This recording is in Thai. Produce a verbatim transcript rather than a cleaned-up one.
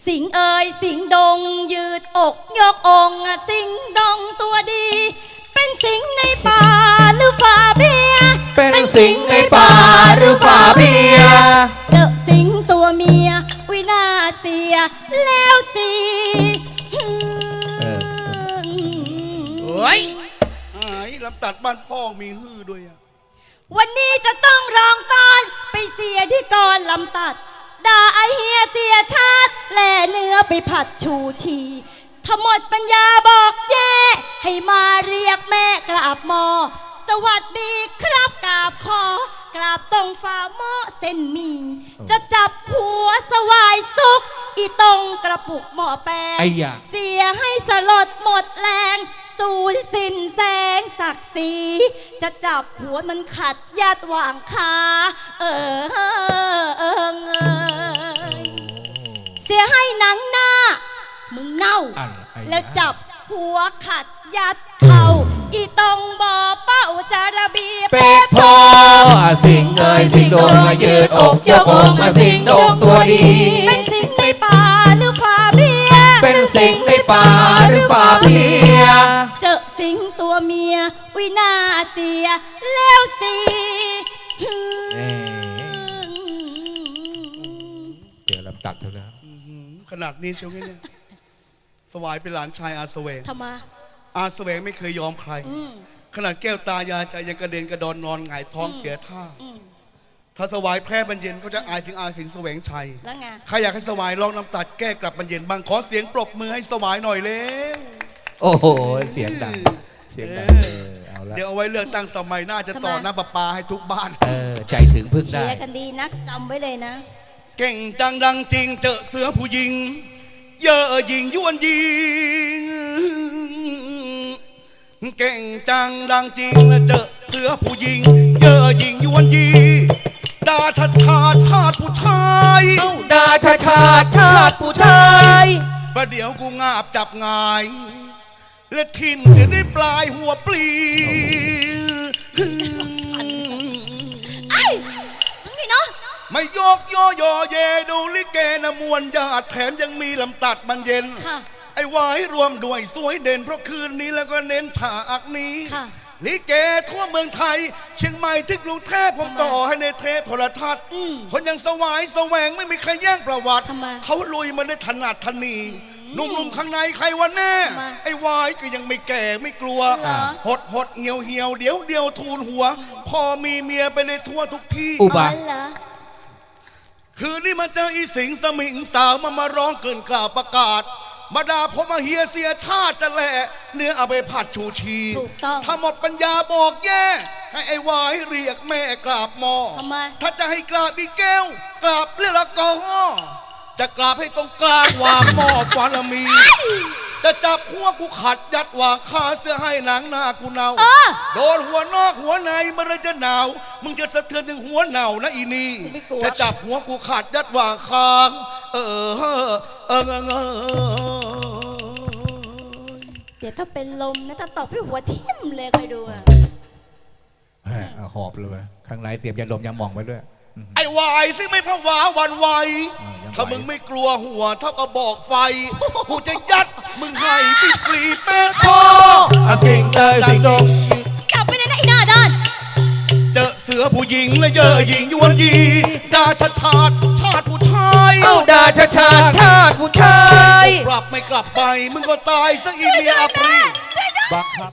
สิงเอ่ยสิงดงยืดอกยกองสิงดงตัวดี เป็นสิงในป่าหรือฝ่าเบียเป็นสิงในป่าหรือฝ่าเบียเจอสิงตัวเมียวินาเสียแล้วสิเฮ้ยไอ้ลำตัดบ้านพ่อมีฮือด้วยอะวันนี้จะต้องร้องตอนไปเสียที่กรลำตัดด่าไอเฮียเสียชาติแล่เนื้อไปผัดชูชีถ้าหมดปัญญาบอกแย่ให้มาเรียกแม่กราบหมอสวัสดีครับกราบคอกราบตรงฝ่าหม้อเส้นมี จะจับหัวสวายสุกอีตรงกระปุกหม้อแป้งเสียให้สลดหมดแรงสูญสิ้นแสงศักดิ์ศรีจะจับหัวมันขัดญาติวางคาเออเออเออเสียให้หนังหน้ามึงเน่าแล้วจับหัวขัดยัดเข่าอีตรงบ่อเป้าจาระบีเป็ดพอสิงเอ่ยสิงโดงมายืดอกยกอกมาสิงโดงตัวดีเป็นสิงในป่าหรือฝ่าเบียเป็นสิงในป่าหรือฝ่าเบียเจอสิงตัวเมียวินาเสียแล้วสิเดี๋ยวลำตัดเท่านั้นขนาดนี้เชียวเนี่ยสวายเป็นหลานชายอาสเวงทำไมอาสเวงไม่เคยยอมใครขนาดแก้วตายาใจยังกระเด็นกระดอนนอนหงายท้องเสียท่าถ้าสวายแพ้บรรเย็นก็จะอายถึงอาสิงห์แสวงชัยแล้วไงใครอยากให้สวายลองน้ำตัดแก้กลับบรรเย็นบ้างขอเสียงปรบมือให้สวายหน่อยเร็วโอ้โหเสียงดังเสียงดังเดี๋ยวเอาไว้เลือกตั้งสมัยหน้าจะต่อน้ำประปาให้ทุกบ้านเออใจถึงพึ่งได้เชียร์กันดีนักจำไว้เลยนะเก่งจังดังจริงเจอเสือผู้หญิงเยอะยิงยวนยิงเก่งจังดังจริงเจอเสือผู้หญิงเยอะยิงยวนยิงดาชาชาชาติผู้ชายดาชาชาชาติผู้ชายประเดี๋ยวกูงาบจับงายและทิ่มจะได้ปลายหัวปลีไอ้นี่เนาะไม่ยกโยโยเยดูลิเกนะมวนญาติแถมยังมีลำตัดบรรเย็นไอ้วายรวมด้วยสวยเด่นเพราะคืนนี้แล้วก็เน้นฉากนี้ลิเกทั่วเมืองไทยเชียงใหม่ที่กรุงเทพผมต่อให้ในเทพโทรทัศน์คนยังสวายแสวงไม่มีใครแย่งประวัติเขาลุยมาได้ถนัดทนีหนุ่มๆข้างในใครวันแน่ไอ้วายก็ยังไม่แก่ไม่กลัวหดหดเหี่ยวเหี่ยวเดี๋ยวเดียวทูลหัวพอมีเมียไปเลยทั่วทุกที่อุบะคืนนี้มาเจออีสิงสมิงสาวมามาร้องเกินกล่าวประกาศมาด่าผมมาเฮียเสียชาติจะแหละเนื้อเอาไปผัดชูชีถ้าหมดปัญญาบอกแย่ให้ไอ้วายเรียกแม่กราบหมอถ้าจะให้กราบอีแก้วกราบเรียกละกอจะกราบให้ตรงกลางวางหม้อฟานมีจะจับหัวกูขัดยัดวางคาเสื้อให้หนังหน้ากูเนาโดนหัวนอกหัวในมันจะหนาวมึงจะสะเทือนถึงหัวเน่านะอีนี่จะจับหัวกูขัดยัดวางคางเออเออเออเออเดี๋ยวถ้าเป็นลมนะจะตบให้หัวทิ่มเลยคอยดูอ่ะหอบเลยข้างในเตรียมยาลมยาหม่องไว้ด้วยไอ้วายซิไม่ผวาวันไหวถ้ามึงไม่กลัวหัวเท่ากับบอกไฟกูจะยัดมึงให้ปีกรีแป้งพอสิงเตยสิงดงกลับไปเลยนะไอ้หน้าด้านเจอเสือผู้หญิงและเยอะหญิงยวนยีดาชาชาติชาติผู้ชายเอ้าดาชาชาติชาติผู้ชายกลับไม่กลับไปมึงก็ตายซะอีเมียอัปรี